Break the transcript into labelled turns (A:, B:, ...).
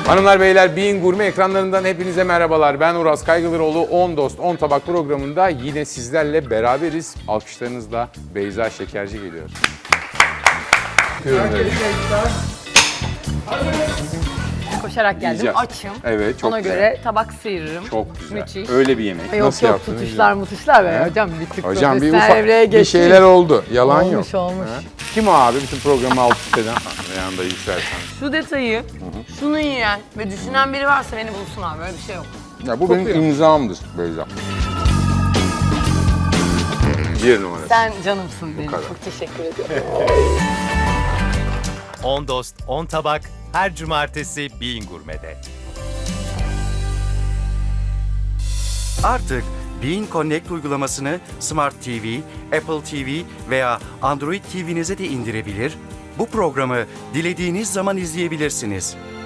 A: Hanımlar beyler, Bein Gurme ekranlarından hepinize merhabalar. Ben Uras Kaygılıroğlu. 10 Dost 10 Tabak programında yine sizlerle beraberiz. Alkışlarınızla Beyza Şekerci geliyor.
B: Koşarak geldim.
A: Yiyeceğim.
B: Açım.
A: Evet, çok
B: Ona
A: güzel.
B: göre tabak sıyırırım.
A: Çok güzel.
B: Müthiş.
A: Öyle bir yemek.
B: Yok
A: Nasıl
B: yok
A: yaptınız?
B: tutuşlar mutuşlar be
A: He?
B: hocam bir tık
A: Hocam bir
B: profesyonel
A: ufak
B: evreye
A: bir
B: geçtik.
A: şeyler oldu. Yalan
B: Olmuş,
A: yok.
B: olmuş.
A: He? Kim o abi? Bütün programı alt üst eden. Yanında yükselsen.
B: Şu detayı, şunu yiyen ve düşünen biri varsa beni bulsun abi. Böyle bir şey yok.
A: Ya bu benim imzamdır Beyza. Bir numara.
B: Sen canımsın benim.
A: kadar.
B: Çok teşekkür ediyorum.
C: 10 Dost 10 Tabak her cumartesi Bein Gurme'de.
D: Artık Bein Connect uygulamasını Smart TV, Apple TV veya Android TV'nize de indirebilir, bu programı dilediğiniz zaman izleyebilirsiniz.